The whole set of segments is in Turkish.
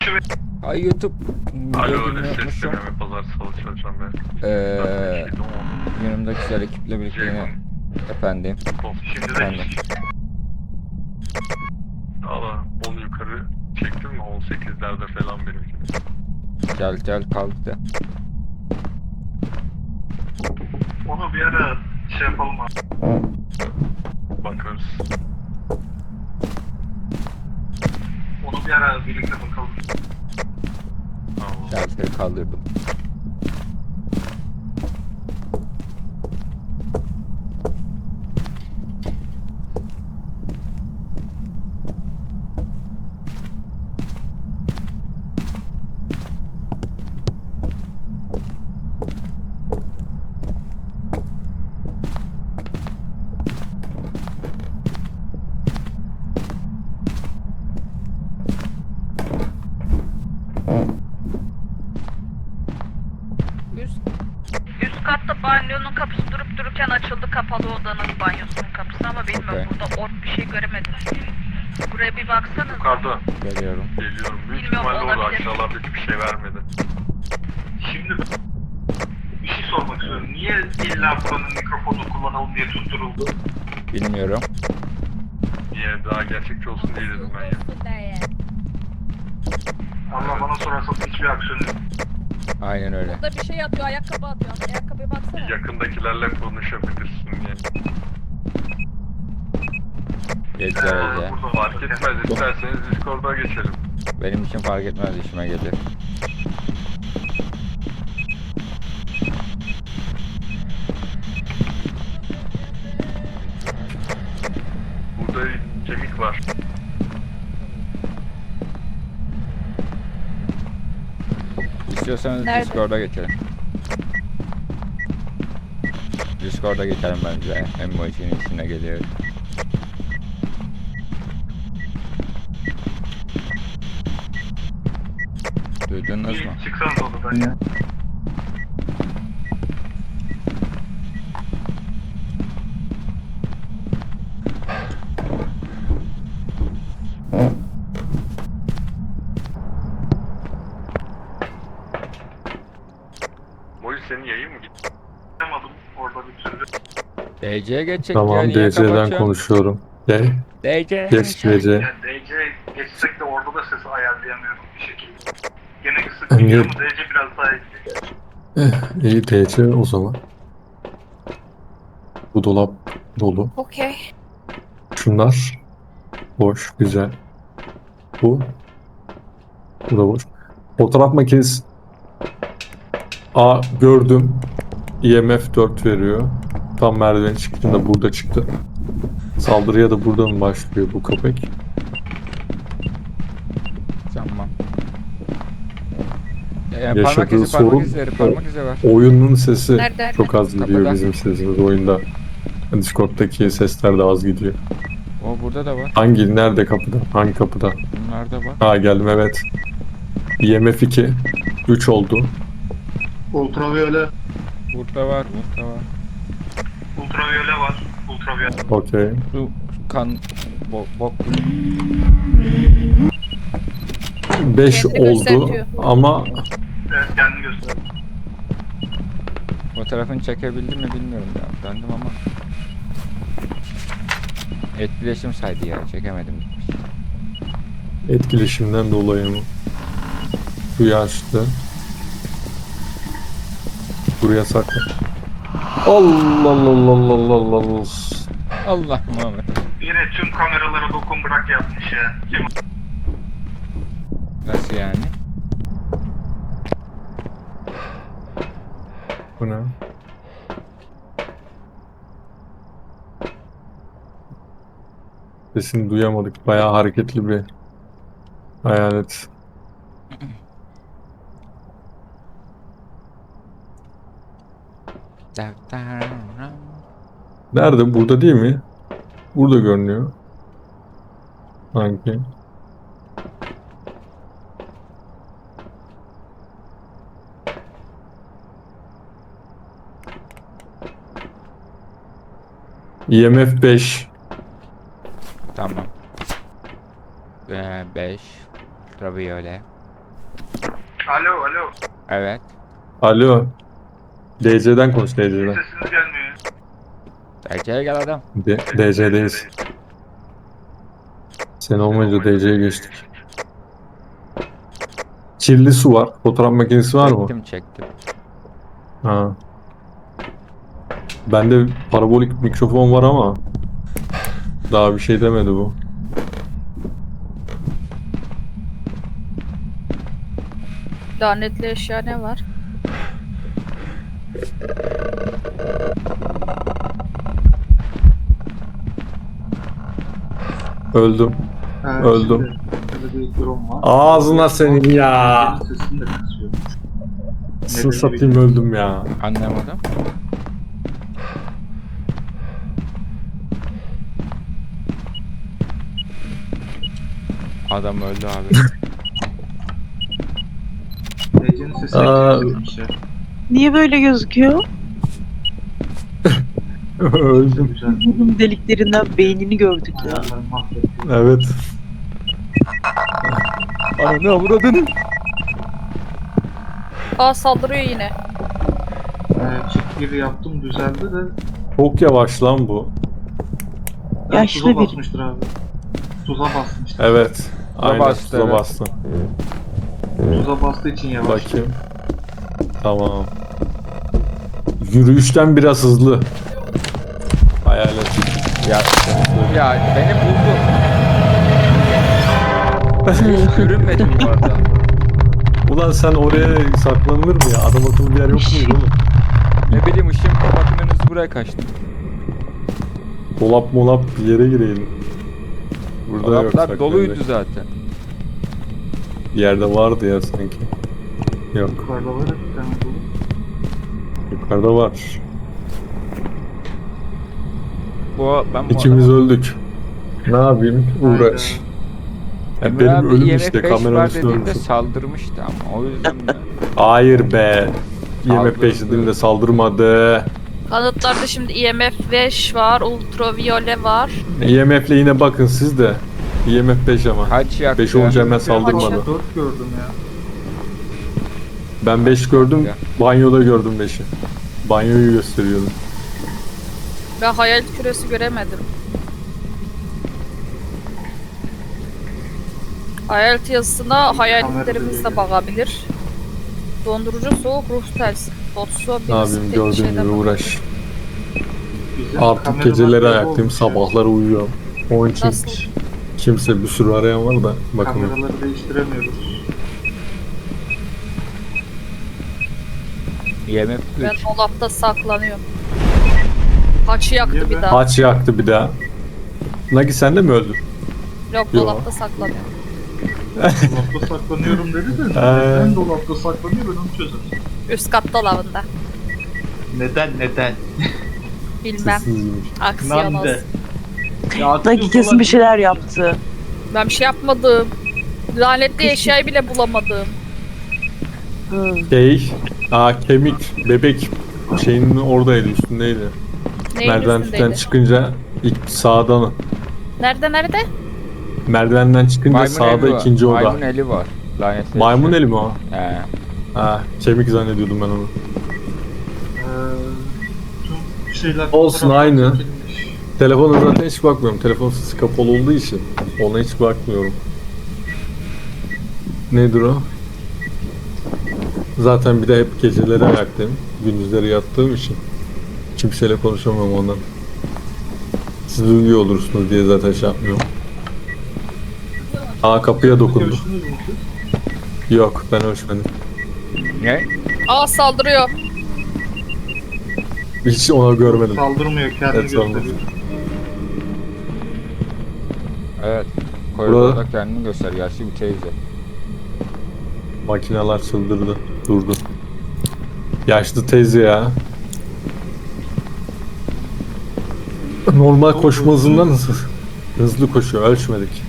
Ay YouTube. Alo, Videoyu ses unutmuşum. deneme pazar salı çalışacağım ben. Yanımda güzel ekiple birlikte yine efendim. Şimdi de Efendim. Valla 10 yukarı çektim mi 18'lerde falan benimki. Gel kalktı. Onu bir ara şey yapalım abi. Bakarız. Onu bir ara birlikte bakalım. Tamam. Şalteri kaldırdım. Üst katta banyonun kapısı durup dururken açıldı, kapalı odanın banyosunun kapısı ama bilmiyorum, Okay. burada ork bir şey göremedim. Buraya bir baksanız. Yukarıda Geliyorum. geliyorum. Büyük Bilmiyorum, ihtimalle orada olabilir. aşağılarda hiçbir şey vermedi. Şimdi bir şey sormak istiyorum. Niye illa buranın mikrofonu kullanalım diye tutturuldu? Bilmiyorum. Niye daha gerçekçi olsun diye dedim ben ya. Allah bana sorarsa hiçbir aksiyon yok. Aynen öyle. Burada bir şey atıyor, ayakkabı atıyor. Ayakkabıya baksana. Yakındakilerle konuşabilirsin diye. Gece. Burada Fark etmez, isterseniz Discord'a geçelim. Benim için fark etmez, işime gelir. Burada kemik var. İstiyorsanız Nerede? Discord'a geçelim. Discord'a geçelim bence. Emoji'nin içine geliyor. Duydunuz mu? bir çıksanız odadan ya. Moji senin yayın mı gitti? Yapamadım orada bir türlü. DC'ye geçecek ya, Tamam, niye DC'den kapatıyorsun? konuşuyorum. De, DC. geç DC. Yani DC geçsek de orada da sesi ayarlayamıyorum bir şekilde. Gene kısık gidiyor ama DC biraz daha iyi. İyi DC o zaman. Bu dolap dolu. Okey. Şunlar boş, güzel. Bu da boş. Fotoğraf makinesi gördüm. IMF 4 veriyor. Tam merdiven çıktığında burada çıktı. Saldırıya da burada mı başlıyor bu köpek? Tamam. Yaşadığı Parmak izi sorun var. oyunun sesi Nerede? çok az gidiyor Kapıda. bizim sesimiz oyunda. Discord'daki sesler de az gidiyor. O burada da var. Nerede kapıda? Hangi kapıda? Bunlar da var. Ha, geldim evet. IMF 2 3 oldu. Ultraviyole. Burada var. Ultraviyole var. Ultraviyole. Okey. Su, kan, bok. 5 Kendini oldu gösteriyor. ama Evet kendini göster. Fotoğrafını çekebildim mi bilmiyorum ya. Döndüm ama. Etkileşim saydı ya. Çekemedim. etkileşimden dolayı mı? Suyu açtı. Buraya sakla. Allah Allah Allah Allah Allah Allah. Allah Muhammed. Yine tüm kameralara dokun bırak yapmış ya. Kim? Nasıl yani? Bu ne? Sesini duyamadık. Bayağı hareketli bir hayalet. Nerede? Burada değil mi? Burada görünüyor. Sanki. IMF 5. Tamam. 5. Ultraviyole. Alo alo. Evet. Alo. DC'den konuş DC'den. Sesiniz gelmiyor. Erkeğe gel adam. DC'deyiz. Sen olmayınca DC'ye geçtik. Kirli su var. Fotoğraf makinesi var mı? Çektim. Ha. Bende parabolik mikrofon var ama daha bir şey demedi bu. Lanetli eşya ne var? Öldüm. Evet, Öldüm. şimdi böyle bir durum var. Ağzına senin ya. Benim sesim de kısıyor. Sır satayım öldüm ya. Anlamadım. Adam öldü abi. Ece'nin sesi Aa. kısıyormuş ya. Niye böyle gözüküyor? Öldüm. Güzel. Bunun deliklerinden beynini gördük ya. Ayarları mahvetti. Evet. Ananı avradını. Aa saldırıyor yine. Çift giri yaptım düzeldi de. Çok yavaş lan bu. Yaşlı Tuza biri. basmıştır abi. Tuza basmıştır. Evet. Aynen bastı, tuza evet. bastı. Tuza bastığı için yavaş. Bakayım. Tamam. Yürüyüşten biraz hızlı. Hayal et. Ya beni buldu. Hiç görünmedim bu arada. Ulan sen oraya saklanılır mı ya? Adam akıllı bir yer yok muydu oğlum? Ne bileyim ışığım kapatmanız buraya kaçtı. Dolap molap bir yere girelim. Burada yok. Dolaplar doluydu saklanacak. zaten. Bir yerde vardı ya sanki. Yok. Yukarıda var ya bir tane dolu. Yukarıda var. Ben bu İkimiz öldük. Ne yapayım? Uğraş. Ya Emre benim abi ölüm IMF işte 5 kameranın var üstüne dediğinde ölmüşüm. saldırmıştı ama o yüzden mi? Hayır be. Saldırdı. IMF 5 dediğimde saldırmadı. Kanıtlarda şimdi IMF 5 var, ultraviyole var. IMF'le yine bakın siz de. IMF 5 ama. Kaç yaktı? 5 olunca hemen saldırmadı. 4 gördüm ya. Ben 5 gördüm. Ya. Banyoda gördüm 5'i. Banyoyu gösteriyordu. Ben hayal küresi göremedim. Hayalet yazısına hayaletlerimiz de bakabilir. Dondurucu soğuk ruh telsi. Botsu Ne yapayım gördüğün gibi uğraş. Bizim Artık kameralar geceleri böyle ayaktayım, olmuş ya. sabahları uyuyorum. Onun için Nasıl? kimse bir sürü arayan var da bakın. Kameraları değiştiremiyoruz. IMF Ben 3. dolapta saklanıyorum. Haçı yaktı Niye bir be? daha. Haç yaktı bir daha. Nagi sen de mi öldün? Yok Yo. dolapta saklanıyorum. Dolapta saklanıyorum dedi de neden dolapta saklanıyor ben onu çözerim. Üst kat dolabında. Neden? Bilmem. Sessizmiş. Aksiyon olsun. Nagi kesin bir şeyler yaptı. Ben bir şey yapmadım. Lanetli eşyayı bile bulamadım. Hı. Kemik, bebek şeyinin oradaydı, üstündeydi. Neyin Merdivenden üstündeydi? çıkınca ilk sağdan. Nerede? Merdivenden çıkınca sağda eli var. ikinci oda. Maymun eli var. Lanetli. Maymun eli mi o? He. Ha, kemik zannediyordum ben onu. Tüm şeyler Olsun, fotoğraflar aynı. çekilmiş. Telefona zaten hiç bakmıyorum. Telefon sesi kapalı olduğu için ona hiç bakmıyorum. Nedir o? Zaten bir de hep geceleri ayaktayım. Gündüzleri yattığım için kimseyle konuşamam ondan. Siz uyuyor olursunuz diye zaten şey yapmıyorum. Kapıya dokundu. Görüştünüz mü siz? Yok, ben ölçmedim. Ne? Aa saldırıyor. Hiç ona görmedim. Saldırmıyor kendini Evet, saldırmıyor. gösteriyor. Evet. Koridorda kendini göster. Yaşlı bir teyze. Makineler çıldırdı. Durdu. Yaşlı teyze ya. Normal koşma hızından hızlı koşuyor. Ölçmedik.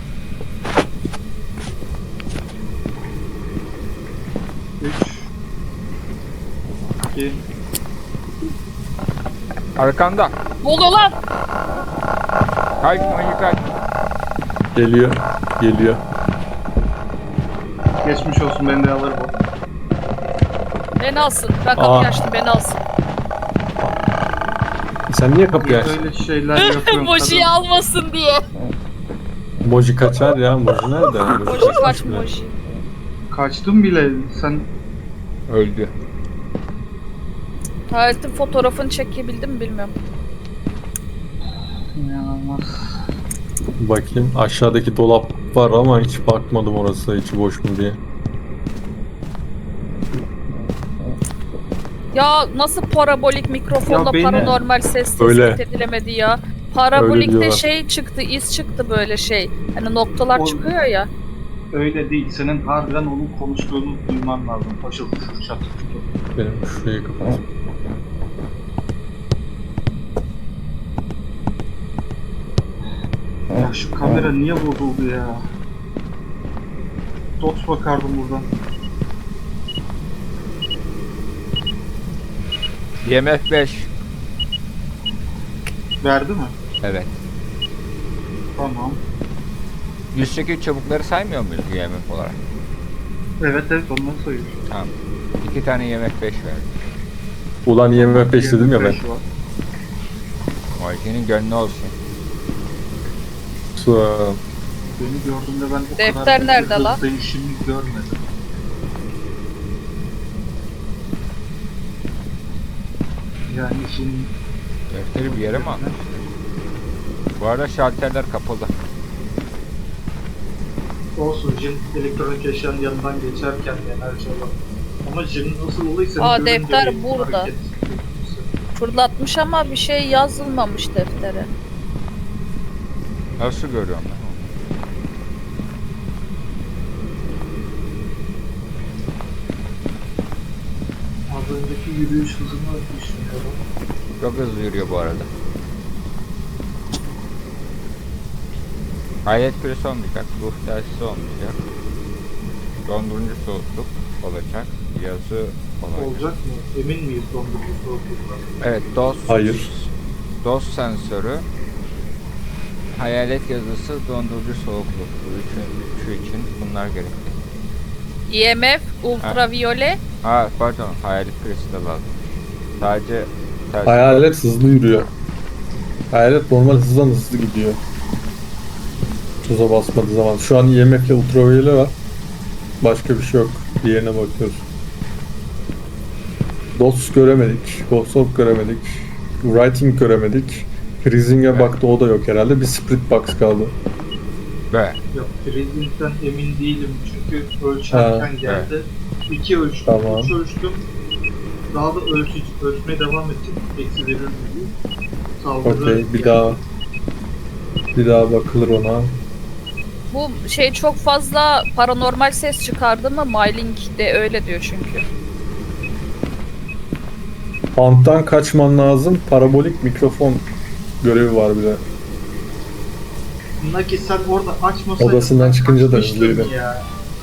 İki. Arkanda. Ne oluyor lan? Kaç manyak kaç. Geliyor. Geçmiş olsun, ben de alırım. Beni alsın. Ben kapıyı Aa. açtım, beni alsın. Sen niye kapıyı açtın? Öyle şeyler yapıyorum. Moji'yi almasın diye. Moji kaçar ya. Moji nerede? Moji kaçmış kaç bile. Moji. Kaçtım bile. Sen Öldü. Hayaletin fotoğrafını çekebildim mi bilmiyorum. inanılmaz. Bakayım. Aşağıdaki dolap var ama hiç bakmadım orası içi boş mu diye. Ya nasıl parabolik mikrofonla Ya beni- paranormal ses Öyle. tespit edilemedi ya. Öyle Parabolikte diyorlar. şey çıktı, iz çıktı böyle şey. Hani noktalar O- çıkıyor ya. Öyle değil. Senin harbiden onun konuştuğunu duyman lazım. Paşıl paşıl çatır çatır. Benim şurayı kapat. Ya şu kamera niye bozuldu ya? Dot bakardım buradan. IMF 5. Verdi mi? Evet. Tamam. 108 çubukları saymıyor muyuz IMF olarak? Evet evet, onları sayıyor. Tamam. 2 tane IMF 5 verdi. Ulan IMF 5 dedim ya ben. 25 var. Moji'nin gönlü olsun. Beni gördüğünde ben o Defter kadar nerede hızlı lan? değişimi görmedim. Yani şimdi Defteri bir yere mi aldın? Bu arada şalterler kapalı. olsun, Jin elektronik eşyanın yanından geçerken enerji alan. Ama Jin'in nasıl olaysa... Aa, görünce defter bir burada. hareket. Fırlatmış ama bir şey yazılmamış deftere. Nasıl görüyorum ben? Az önceki yürüyüş hızını düşünüyorum. Çok hızlı yürüyor bu arada. Hayalet küresi olmayacak, ruh telsizi olmayacak. Dondurucu soğukluk olacak, yazı olacak. Olacak mı? Emin miyiz dondurucu soğuklukla? Evet, DOS. Hayır. DOS sensörü, hayalet yazısı, dondurucu soğukluk. Bu üçü için bunlar gerekli. IMF, ultraviyole. Ha pardon, hayalet küresi de lazım. Sadece telsiz. Hayalet hızlı yürüyor. Hayalet normal hızdan hızlı gidiyor. Tuza basmadığı zaman. Şu an IMF ile ultraviyole var. Başka bir şey yok. Diğerine bakıyoruz. DOS göremedik. Ghost göremedik. Writing göremedik. Freezing'e Evet. baktı, o da yok herhalde. Bir split box kaldı. Be. Ya freezing'den emin değilim çünkü ölçerken Ha, geldi. 2 ölçtüm, Tamam. 3 ölçtüm. Daha da ölçmeye devam ettim. Eksi verir mi diye. Saldırı Okey, bir geldi. daha bakılır ona. Bu şey çok fazla paranormal ses çıkardı mı? Myling de öyle diyor çünkü. Banttan kaçman lazım. Parabolik mikrofon görevi var bir de. Naki sen orada açmasaydın Odasından ben çıkınca da kaçmıştım hızlıydı. ya.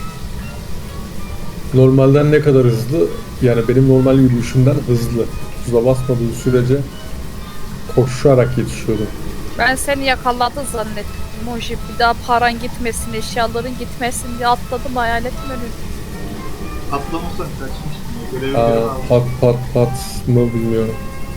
Normalden ne kadar hızlı? Yani benim normal yürüyüşümden hızlı. Tuza basmadığı sürece koşarak yetişiyordum. Ben seni yakaladı zannettim. Moji bir daha paran gitmesin, eşyaların gitmesin diye atladım hayaletin önüne. Atlamasan kaçmıştım ya. Görevi Aa, gören aldım. pat mı bilmiyorum.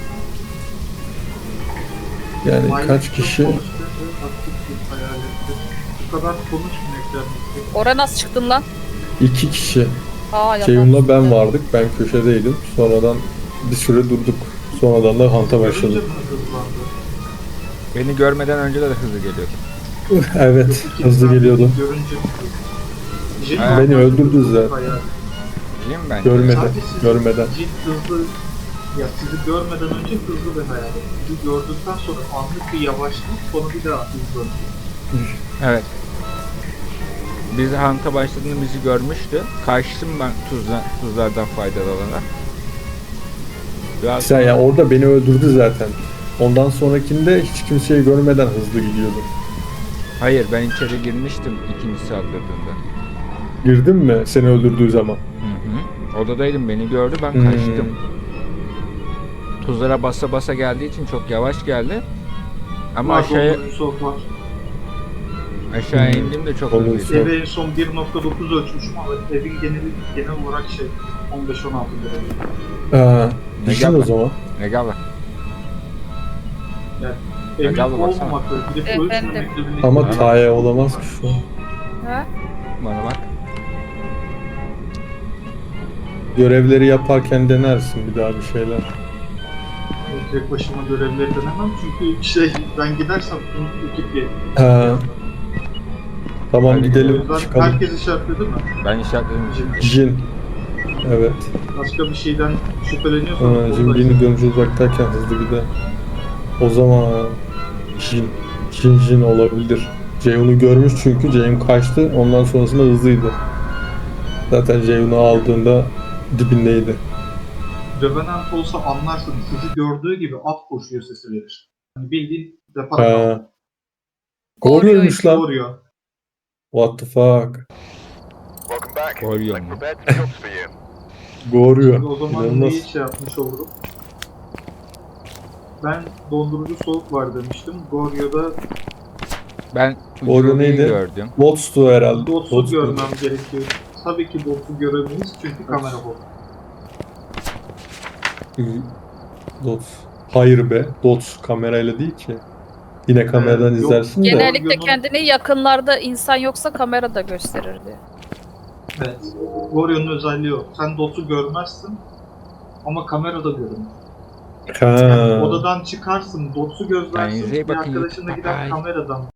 Yani Aynen, kaç çok kişi? konuştu, aktif bir hayalettir. Bu kadar konuşmayak yani. Oraya nasıl çıktın lan? 2 kişi. Aa yalan. Ceyhun'la ben vardık. Ben köşedeydim. Sonradan bir süre durduk. Sonradan da hanta Görünce başladık. mi hızlandı? Beni görmeden önce de hızlı geliyordu. Evet, İki hızlı tane geliyordu. Görünce mi hızlandı? Jin Ha. Beni normal öldürdü hızlı zaten. hayalet. Değil mi ben? Görmeden, Sadece sizi- görmeden. Jin hızlı, ya sizi görmeden önce hızlı bir hayalet. Sizi gördükten sonra anlık bir yavaşlık, sonra bir daha hızlanıyor. Evet. Biz hanta başladığında bizi görmüştü. Kaçtım ben tuzlardan faydalanarak. Biraz Sen ya orada beni öldürdü zaten. Ondan sonrakinde hiç kimseyi görmeden hızlı gidiyordu. Hayır, ben içeri girmiştim ikinci saldırdığında. Girdin mi seni öldürdüğü zaman? Hı hı. Odadaydım, beni gördü, ben Hmm. kaçtım. Tuzlara basa basa geldiği için çok yavaş geldi. Ama Var, aşağıya dondurucu soğuk var. Aşağı indim de çok Onun hızlıydı. için- Eve en son 1.9 ölçmüşüm ama evin genel olarak 15-16 lira. Bir şey Gel o bak. zaman. Ne gel lan? Emin Gel baksana. olmamakla gidip Efendim? ölçmemekle birlikte. Ama Taya olamaz ki şu an. Ha? Bana bak. Görevleri yaparken denersin bir daha bir şeyler. Tek başıma görevleri denemem çünkü ben gidersem ekip gelir. Ha. Tamam Hadi O gidelim yüzden çıkalım. herkes işaretledi mi? Ben işaretledim şimdi. Jin. Evet. Başka bir şeyden şüpheleniyorsanız Jin'ini görünce uzaktayken hızlı gider. O zaman Jin olabilir. Ceyhun'u görmüş çünkü Ceyhun kaçtı. Ondan sonrasında hızlıydı. Zaten Ceyhun'u aldığında dibindeydi. Revenant olsa anlarsın. Sizi gördüğü gibi at koşuyor sesi verir. Hani bildiğin depar Ha. Goryo'ymuş lan. doğuruyor. What the fuck? Goryo mu? Goryo. O zaman İnanılmaz. neyi yapmış olurum? Ben dondurucu soğuk var demiştim. Goryo'da Ben Goryo Ucu'yu neydi? gördüm. Dots'tu herhalde. Dots'u Dots görmem gerekiyor. Tabii ki Dots'u göremeyiz çünkü kamera bu. Dots. Hayır be. Dots kamerayla değil ki. Yine kameradan Yok. izlersin de. Genellikle Goryo'nun- kendini yakınlarda insan yoksa kamerada gösterirdi. Evet. Goryo'nun özelliği o. Sen Dots'u görmezsin ama kamerada görünür. Ha. Odadan çıkarsın, Dots'u gözlersin, Kendinize iyi bir bakın. arkadaşına gider Bye. kameradan